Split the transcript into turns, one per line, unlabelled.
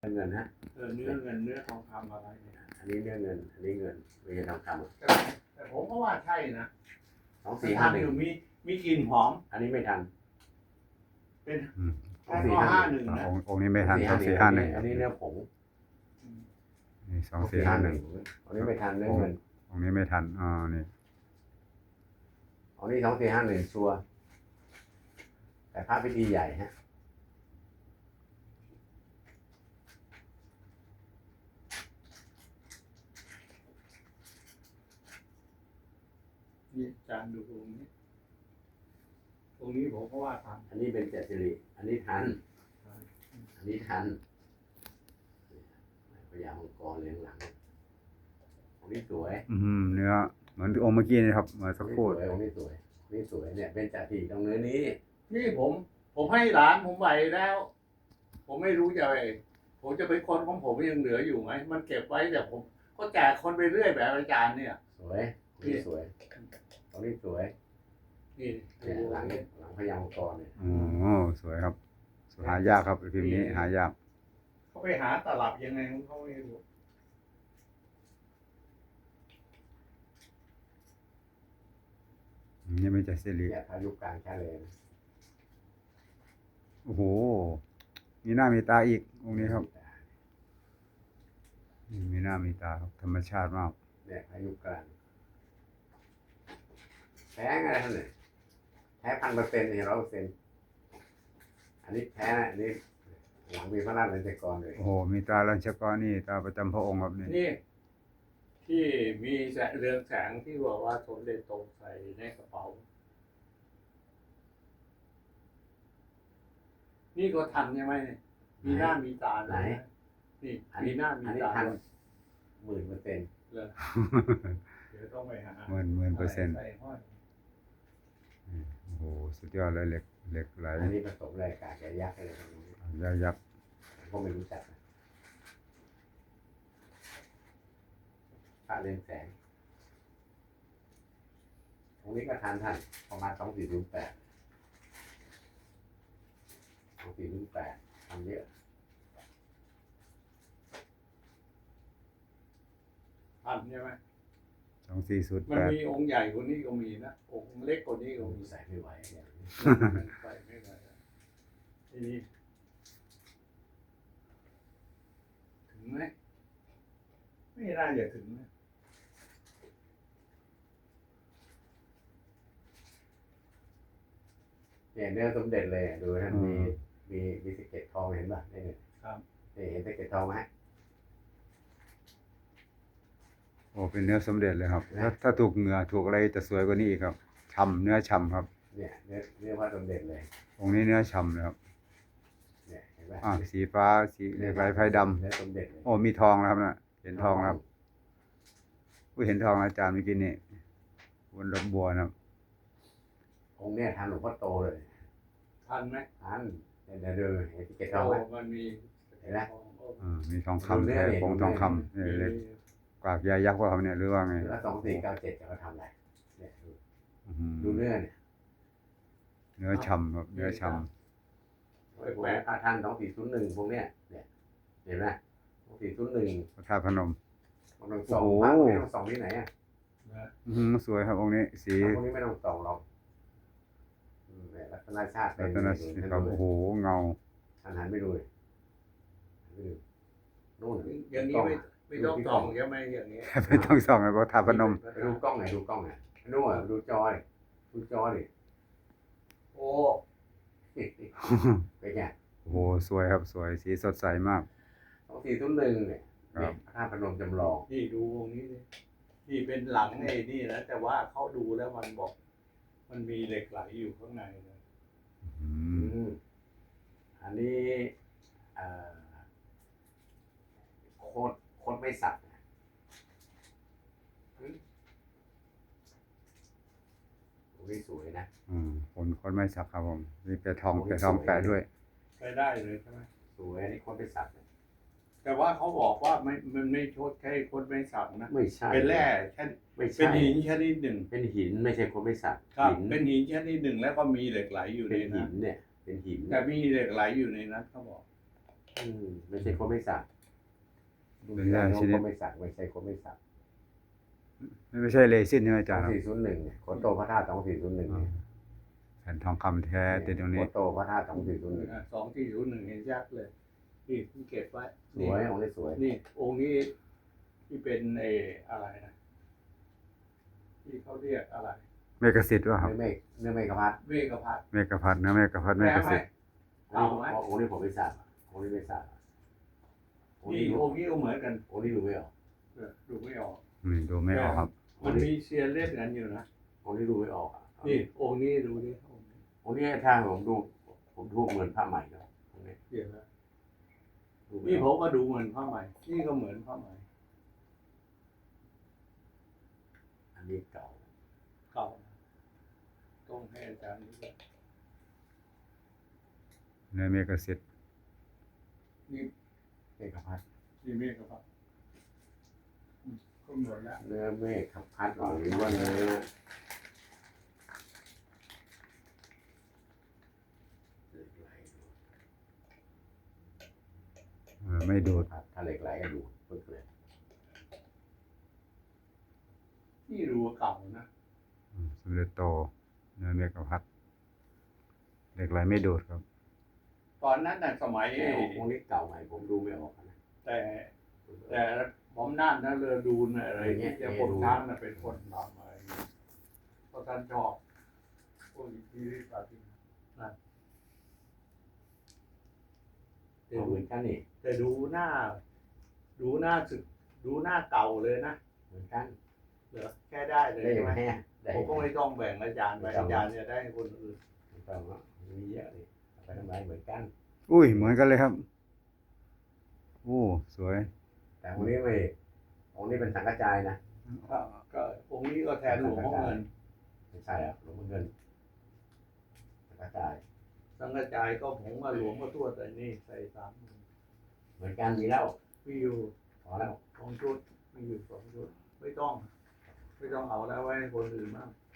เงินฮะ
เนื้อเงินเนื้อทองคำอะไรเนี่ย
อันนี้เนื้อเงินอันนี้เงินไม่ใช่ทองคำ
แต่ผมก็ว่าใช่นะ
2451
มีกลิ่นหอม
อันนี้ไม่ทัน
เป็น
2451
นะ
องค์นี้ไม่ทัน2451
อันนี้เนื้อผง
นี่2451
อันนี้ไม่ทันเนื้อเงิน
องค์นี้ไม่ทันนี่
อันนี้2451ชัวร์แต่พระพิธีใหญ่ฮะ
นี่จานดูองค์นี้ผมก็ว่าทัน
อันนี้เป็นเจ็ดสิริอันนี้ทันอันนี้ทันพญามังกรเลี้ยงหลังอันนี้สวย
เนื้อเหมือนองค์เมื่อกี้นะครับเมื่อสักครู่
องค์นี้สวยนี่สวยเนี่ยเป็นจ่าทีตรงเนื้อนี้
นี่ผมให้หลานผมไหวแล้ว ผมไม่รู้จะไปผมจะไปคนของผมยังเหลืออยู่ไหมมันเก็บไว้แต่ผมก็แจกคนไปเรื่อยแบบอาจารย์เนี่ย
สวยนี่สวยตรงนี้สวย
นี่
หลังพญามังกรเนี่ย
สวยครับหายากครับพิมพ์นี้หายาก
เขาไปหาตลับยังไงเขาไม่รู้
นี่ไม่ใช่สิริ
เนี่ยพายุกลางแค่เลย
โอ้โหมีหน้ามีตาอีกองค์นี้ครับมีหน้ามีตาครับธรรมชาติมาก
เนี่ยพายุกลางแท้อะไรท่านเนี่ยแท้1,000%เนี่ย100%อันนี้แท้อันนี้หลังมีพระราชลัญจกรเลย
โอ้โหมีตาลัญชกรนี่ตาประจำพระองค์ครับ
นี่ที่มีเรืองแสงที่บอกว่าสมเด็จโตใส่ในกระเป๋านี่ก็ทันใช่ไหมมีหน้ามีตา
ไหน
นี่มีหน้ามีตา
ทัน10,000%
เลยเดี๋ยวต้องไปหา
10,000%โอ้โหสุดยอดเลยเหล็กไหล
อันนี้ผสมอะไรกากยักษ์อะไรพวกนี้
ยักษ์
ก็ไม่รู้จักพระเรืองแสงตรงนี้ก็ทันประมาณ2408ทำเยอะ
ทันใช่ไหม
2408
มันมีองค์ใหญ่กว่านี้ก็มีนะองค์เล็กกว่านี้ก็มี
ใส่ไม่ไหวเนี่ย
ใส่ไม่ไหวทีนี้ถึงไหมไม่น่าจะถึงนะ
เนี่ยเนื้อสมเด็จเลยดูท่านมีสะเก็ดทองเห็นป่ะนี่เนี่ย
ครับ
เห็นสะเก็ดทองไหม
โอ้เป็นเนื้อสมเด็จเลยครับถ้าถูกเหงื่อถูกอะไรจะสวยกว่านี้อีกครับฉ่ำเนื้อฉ่ำครับ
เนี่ยเนื้อพระสมเด็จเลย
องค์นี้เนื้อฉ่ำเลยครับ
เนี่ยเห็นป่ะ
สีฟ้าสีเหล็กไหลไฟดำ
เนื้อสมเด็จเลย
โอ้มีทองนะครับนะเห็นทองครับเห็นทองอาจารย์เมื่อกี้นี่บนดอกบัวนะครับ
องค์เนี่ยทันหลวงพ่อโตเลย
ทันไหม
ทันเดี๋ยวดูเห็นสะเก็ดทองไหม
มันมี
เห็นไหม
มีทองคำแท้ผงทองคำเนี่ยเล็กกากยายักษ์ว่าเขาเนี่ยหรือว่าไง
แล้ว2497จะเขาทำอะไรเนี่ยดูเนื้อเนี่ย
เนื้อฉ่ำครับเนื้อฉ่
ำพระท่าน2401พวกเนี้ยเนี่ยเห็นไหม2401
พระธาตุพนม
ไม่ต้องส่องไม่ต้องส่องที่ไหนอ่ะ
สวยครับองค์นี้สี
พวกนี้ไม่ต้องส่องหรอกลักษณะชาติ
ลักษณะครับโอ้โหเงา
หันไปดูนู่น
อย่างนี้ไม่ต้องส่องใช่ไหมอย่างนี้
ไม่ต้องส่องเลยพระธาตุพนม
ดูกล้องไหนนู่นดูจอดิ
โอ้
เป็นไง
โอ้โหสวยครับสวยสีสดใสมาก
2401เนี่ยพระธาตุพนมจำลอง
ที่ดูตรงนี้ที่เป็นหลังไอ้นี่นะแต่ว่าเขาดูแล้วมันบอกมันมีเหล็กไหลอยู่ข้างในนะ
อันนี้โคตรไม่สับสวยนะ
คนไม่สับครับผมมีแปะทองแปะด้วย
ใช้ได้เลยใช่ไหม
สวยอันนี้โคตรไม่สับ
แต่ว่าเขาบอกว่ามันไม่โทษแค่คนไม่สับนะ
ไม่ใช่
เป็นแร่แค่เป็นหินชนิดหนึ่ง
เป็นหินไม่ใช่คนไม่สับ
เป็นหินชนิดหนึ่งแล้วก็มีเหล็กไหลอยู่ในนั้น
เนี่ยเป็นหิน
แต่มีเหล็กไหลอยู่ในนั้นเขาบอก
ไม่ใช่คนไม่สัก
เป็นยาชนิด
คนไม่สักไม่ใช่คนไม่สัก
ไม่ใช่เรซินใช่ไหมอา
สอ
จารง ย์ครับ
สี่ศูนย์หนึ่งเนี่ยโคโตพระธาตุ2401เนี่ย
แผ่นทองคำแท้ติดตรง
โค
นี้
โตพระธาตุ2401
2401เห็นชัดเลยนี่ที่เก็บไว้
สวยองค์นี้สวย
นี่องค์นี้ที่เป็นอะไรนะที่เขาเรียกอะไร
เมกสิทธิ์ว่าครับ
เนื้อเมฆพัด
เวกพัด
เมกพัดเนื้อเมกพัดเมกสิทธิ์
เก่าไหม
องค์นี้ผมไม่สักองค์นี้ไม่สักองค์
นี่
นี้
องค์นี้ก็เหมือนกัน
องค์นี้ดูไม่ออก
ดูไม่ออก
นี่ดูไม่ออกครับ
มันมีเชียร์เล่นกันอยู่นะ
องค์นี้ดูไม่ออกอะ
นี่องค์นี้ดูดิองค์นี้
องค์นี้ถ้าผมดูเหมือนผ้าใหม่แล้วองค์นี้
เดี๋ยวนะ
ดูไม่
นี่
อ
ผ
อก
มก็ดูเหมือนผ้าไหมนี่ก็เหมือนผ้าไหม
อันนี้เก่า
เก่านะต้องให้อาจารย์ดูด้วย
เนื้อเมกสิทธิ์
นี่
เมฆพัด
นี่เมฆครับก็เหมือนแล้ว
เนื้อเมฆพัดหรือว่าเนื้อเหล็กไหล
ไม่ดูด
ถ้าเหล็กไหลก็ดูปึ๊กเลย
นี่ดูเก่านะ
สมเด็จโตเนื้อเมกพัดเหล็กไหลไม่ดูดครับ
ตอนนั้นน่ะสมัย
องค์นี้เก่าใหม่ผมดูไม่ออกนะ
แต่ผมนั่นนะเรือดูนอะไรที่จะคนช้างน่ะเป็นคนทำอะไรอย่างเงี้ยเพราะท่านชอบพวกที่ปฏิบัตินั่น
เหมือนกันนี่
แต่ดูหน้าสึกดูหน้าเก่าเลยนะ
เหมือนกัน
เหรอแค่ได้เลย
ได้
ใช่
ยัง
ไหม
ไงอะได้
ผมก็ไม่ต้องแบ่งอาจารย์ไปอาจารย์จะได้ให้คนอื่น
ไม่ต้องอะมีเยอะเลยเอาไปทำไรเหมือนกัน
อุ้ยเหมือนกันเลยครับโอ้สวย
แต่องค์นี้ไม่องค์นี้เป็นสังกัจจายนะ
ก็องค์นี้ก็แทนหลวงพ่อเงิน
ไม่ใช่อ่ะหลวงพ่อเงินสังกัจจาย
สังกระจายก็ผมว่าหลวงพ่อทวดแต่นี่ใส่3
เหมือนกันมีแล้ว
มีอยู่
พอแล้ว
2 ชุดมีอยู่2 ชุดไม่ต้องเอาแล้วไว้ให้คนอื่นบ้าง
เ